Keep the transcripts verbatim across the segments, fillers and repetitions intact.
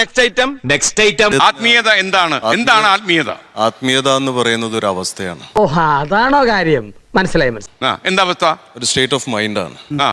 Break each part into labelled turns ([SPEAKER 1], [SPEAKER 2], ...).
[SPEAKER 1] Next item next item
[SPEAKER 2] ആത്മീയത എന്താണ്? എന്താണ് ആത്മീയത?
[SPEAKER 3] ആത്മീയത എന്ന് പറയുന്നത് ഒരു അവസ്ഥയാണ്.
[SPEAKER 4] ഓ അതാണോ കാര്യം? മനസ്സിലായി മനസ്സിലായി.
[SPEAKER 2] ആ, എന്താ അവസ്ഥ?
[SPEAKER 3] ഒരു സ്റ്റേറ്റ് ഓഫ് മൈൻഡാണ്.
[SPEAKER 2] ആ,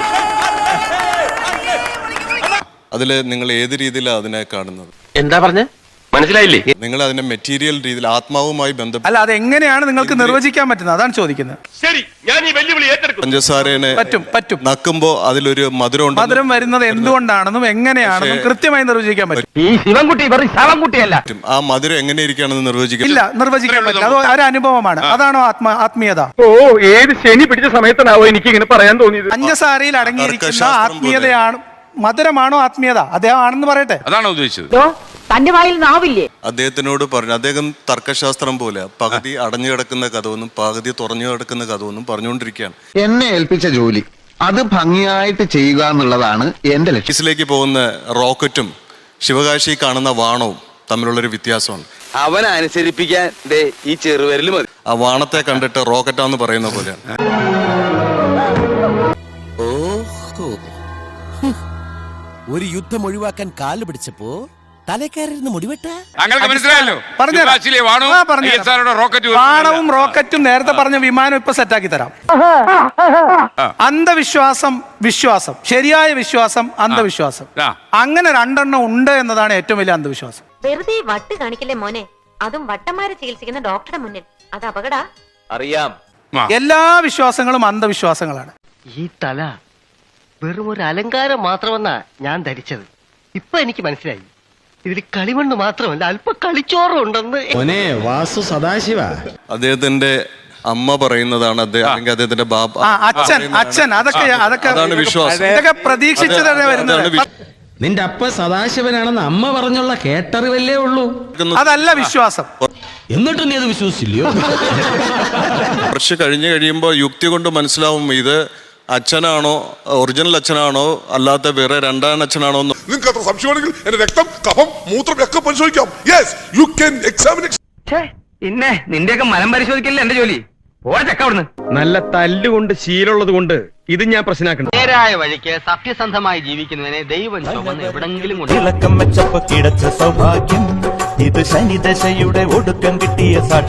[SPEAKER 3] അതിൽ നിങ്ങൾ ഏത് രീതിയിലാണ് അതിനെ കാണുന്നത്?
[SPEAKER 1] എന്താ പറഞ്ഞ മനസ്സിലായില്ലേ?
[SPEAKER 3] നിങ്ങൾ അതിനെ മെറ്റീരിയൽ രീതിയിൽ ആത്മാവുമായി ബന്ധപ്പെട്ട്
[SPEAKER 5] അല്ല, അത് എങ്ങനെയാണ് നിങ്ങൾക്ക് നിർവചിക്കാൻ പറ്റുന്നത്? അതാണ് ചോദിക്കുന്നത്.
[SPEAKER 1] ശരി, ഞാൻ ഈ വെല്ലുവിളി ഏറ്റെടുക്കും.
[SPEAKER 3] പഞ്ചസാരനെ
[SPEAKER 5] പറ്റും പറ്റും
[SPEAKER 3] നക്കുമ്പോ അതിലൊരു മധുരം
[SPEAKER 5] മധുരം വരുന്നത് എന്തുകൊണ്ടാണെന്നും എങ്ങനെയാണെന്നും കൃത്യമായി നിർവചിക്കാൻ പറ്റും.
[SPEAKER 4] ഈ ശിവൻകുട്ടി വെറും ശവൻകുട്ടിയല്ല.
[SPEAKER 3] ആ മധുരം എങ്ങനെയിരിക്കുകയാണെന്ന് നിർവചിക്കാൻ
[SPEAKER 5] ഇല്ല, നിർവചിക്കാൻ പറ്റില്ല. അത് ഒരു അനുഭവമാണ്. അതാണോ ആത്മ ആത്മീയത?
[SPEAKER 4] ഓ ഏത് ശനി പിടിച്ച സമയത്താണോ എനിക്ക് ഇങ്ങനെ പറയാൻ തോന്നിയത്?
[SPEAKER 5] പഞ്ചസാരയിൽ അടങ്ങിയിരിക്കുന്ന ആത്മീയതയാണ്, മധുരമാണോ ആത്മീയത? അദ്ദേഹം ആണെന്ന് പറയട്ടെ.
[SPEAKER 2] അതാണോ ഉദ്ദേശിച്ചത്?
[SPEAKER 6] തന്റെ വായിൽ നാവില്ലേ?
[SPEAKER 3] അദ്ദേഹത്തിനോട് പറഞ്ഞു, അദ്ദേഹം തർക്കശാസ്ത്രം പോലെ പകുതി അടഞ്ഞു കിടക്കുന്ന കഥവെന്നും പകുതി തുറഞ്ഞു കിടക്കുന്ന കഥവെന്നും പറഞ്ഞുകൊണ്ടിരിക്കുകയാണ്.
[SPEAKER 7] എന്നെ ഏൽപ്പിച്ച ജോലി അത് ഭംഗിയായിട്ട് ചെയ്യുക എന്നുള്ളതാണ് എന്റെ ലക്ഷ്യം.
[SPEAKER 3] ഓഫീസിലേക്ക് പോകുന്ന റോക്കറ്റും ശിവകാശി കാണുന്ന വാണവും തമ്മിലുള്ളൊരു വ്യത്യാസമാണ്.
[SPEAKER 1] അവനെ അനുസരിപ്പിക്കാൻ ദേ ഈ ചെറുവിരൽ മതി.
[SPEAKER 3] ആ വാണത്തെ കണ്ടിട്ട് റോക്കറ്റാന്ന് പറയുന്ന പോലെയാണ്.
[SPEAKER 8] ഒരു യുദ്ധം ഒഴിവാക്കാൻ കാല് പിടിച്ചപ്പോ തലക്കാരിന്ന് മുടിവെട്ട
[SPEAKER 2] താങ്കൾക്ക് മനസ്സിലായല്ലോ?
[SPEAKER 5] പറഞ്ഞുതരാം.
[SPEAKER 2] ശിവകാശിയിലെ വാണവും
[SPEAKER 5] ആ, പറഞ്ഞുതരാം.
[SPEAKER 2] ഐ എസ് ആർ ഒയുടെ റോക്കറ്റ്
[SPEAKER 5] വാണവും റോക്കറ്റും നേരത്തെ പറഞ്ഞ വിമാനം ഇപ്പൊ സെറ്റാക്കി തരാം. അന്ധവിശ്വാസം, വിശ്വാസം, ശരിയായ വിശ്വാസം, അന്ധവിശ്വാസം,
[SPEAKER 2] ആ.
[SPEAKER 5] അങ്ങനെ രണ്ടെണ്ണം ഉണ്ട് എന്നതാണ് ഏറ്റവും വലിയ അന്ധവിശ്വാസം.
[SPEAKER 6] വെറുതെ വട്ട് കാണിക്കല്ലേ മോനെ, അതും വട്ടന്മാരെ ചികിത്സിക്കുന്ന ഡോക്ടറുടെ മുന്നിൽ. അത് അപകടാ.
[SPEAKER 1] അറിയാം.
[SPEAKER 5] എല്ലാ വിശ്വാസങ്ങളും അന്ധവിശ്വാസങ്ങളാണ്.
[SPEAKER 4] ഈ തല വെറും ഒരു അലങ്കാരം മാത്രമെന്നാ ഞാൻ ധരിച്ചത്. ഇപ്പൊ എനിക്ക് മനസ്സിലായി, ഇതിൽ കളിമണ്ണ് മാത്രമല്ല അല്പ കളിച്ചോറും ഉണ്ടെന്ന്.
[SPEAKER 8] വാസു സദാശിവ
[SPEAKER 3] അദ്ദേഹത്തിന്റെ അമ്മ പറയുന്നതാണ് അദ്ദേഹം, അല്ലെങ്കിൽ അദ്ദേഹത്തിന്റെ ബാബ
[SPEAKER 5] ആ, അച്ഛൻ അച്ഛൻ അതൊക്കെ അതൊക്കെ
[SPEAKER 3] അതാണ് വിശ്വാസം.
[SPEAKER 5] ഇതൊക്കെ പ്രതീക്ഷിച്ചു തന്നെ വരുന്നത്.
[SPEAKER 8] നിന്റെ അപ്പ സദാശിവനാണെന്ന് അമ്മ പറഞ്ഞുള്ള കേട്ടറിവല്ലേ ഉള്ളൂ.
[SPEAKER 5] അതല്ല വിശ്വാസം.
[SPEAKER 8] എന്നിട്ട് നീ അത് വിശ്വസിച്ചില്ലയോ?
[SPEAKER 3] കുറച്ച് കഴിഞ്ഞ് കഴിയുമ്പോൾ യുക്തി കൊണ്ട് മനസ്സിലാവും ഇത് അച്ഛനാണോ, ഒറിജിനൽ അച്ഛനാണോ, അല്ലാത്ത വേറെ രണ്ടാം അച്ഛനാണോ എന്ന്.
[SPEAKER 9] നിങ്ങൾക്ക് അത്ര സംശയമാണെങ്കിൽ എന്റെ രക്തം, കഫം, മൂത്രം ഒക്കെ പരിശോധിക്കാം. Yes, you can examine.
[SPEAKER 4] പിന്നെ നിന്റെയൊക്കെ മനം പരിശോധിക്കല്ലേ എന്റെ ജോലി. പോഴക്ക അവിടുന്ന്.
[SPEAKER 8] നല്ല തല്ലുകൊണ്ട് ശീലമുള്ളത് കൊണ്ട് ഇത് ഞാൻ പ്രശ്നമാക്കണം.
[SPEAKER 4] നേരായ വഴിക്ക് സത്യസന്ധമായി ജീവിക്കുന്നതിനെ ദൈവം ചുമന്ന് എവിടെങ്കിലും കൊണ്ട്
[SPEAKER 10] ഇളക്കം വെച്ചപ്പോ കിടച്ച സൗഭാഗ്യം ഇത് ശനിദശയുടെ ഒടുക്കം കിട്ടിയ സാക്ഷി.